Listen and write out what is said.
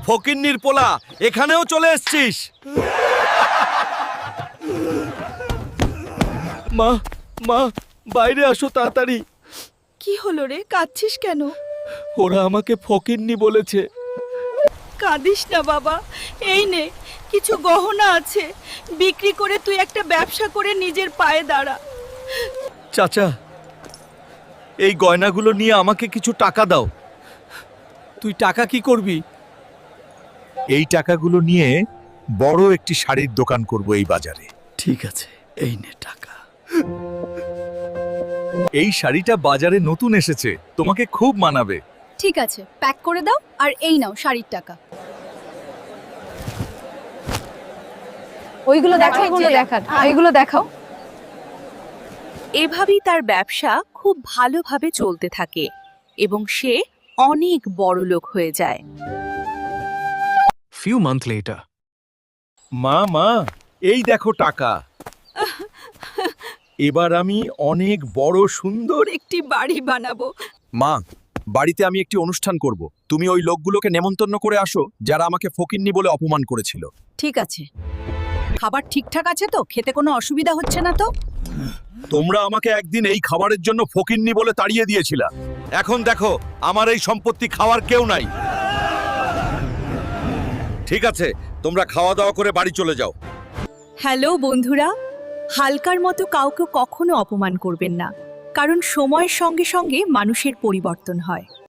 ফকিন্নির পোলা, এখানেও চলে এসেছিস? মা, মা, বাইরে আসো তাড়াতাড়ি। কি হলো রে, কাঁদছিস কেন? ওরা আমাকে ফকিন্নি বলেছে। কাঁদিস না বাবা, এই নে কিছু গহনা আছে, বিক্রি করে তুই একটা ব্যবসা করে নিজের পায়ে দাঁড়া। চাচা, এই গয়নাগুলো নিয়ে আমাকে কিছু টাকা দাও। তুই টাকা কি করবি? এই টাকাগুলো নিয়ে বড় একটি শাড়ির দোকান করব এই বাজারে। ঠিক আছে, এই নে টাকা। এই শাড়িটা বাজারে নতুন এসেছে, তোমাকে খুব মানাবে। ঠিক আছে, প্যাক করে দাও আর এই নাও শাড়ির টাকা। ওইগুলো দেখাও, ওইগুলো দেখাও। এভাবেই তার ব্যবসা খুব ভালোভাবে চলতে থাকে এবং সে অনেক বড় লোক হয়ে যায়। Few months later. মা, মা, এই দেখো টাকা। এবার আমি অনেক বড় সুন্দর একটি বাড়ি বানাবো। মা, বাড়িতে আমি একটি অনুষ্ঠান করব। তুমি ওই লোকগুলোকে নেমন্তন্ন করে আসো যারা আমাকে ফকিন্নি বলে অপমান করেছিল। ঠিক আছে, খাবার ঠিকঠাক আছে তো? খেতে কোনো অসুবিধা হচ্ছে না তো? তোমরা আমাকে একদিন এই খাবারের জন্য ফকিন্নি বলে তাড়িয়ে দিয়েছিলা। এখন দেখো, আমার এই সম্পত্তি খাওয়ার কেউ নাই। ঠিক আছে, তোমরা খাওয়া দাওয়া করে বাড়ি চলে যাও। হ্যালো বন্ধুরা, হালকার মতো কাউকে কখনো অপমান করবেন না, কারণ সময়ের সঙ্গে সঙ্গে মানুষের পরিবর্তন হয়।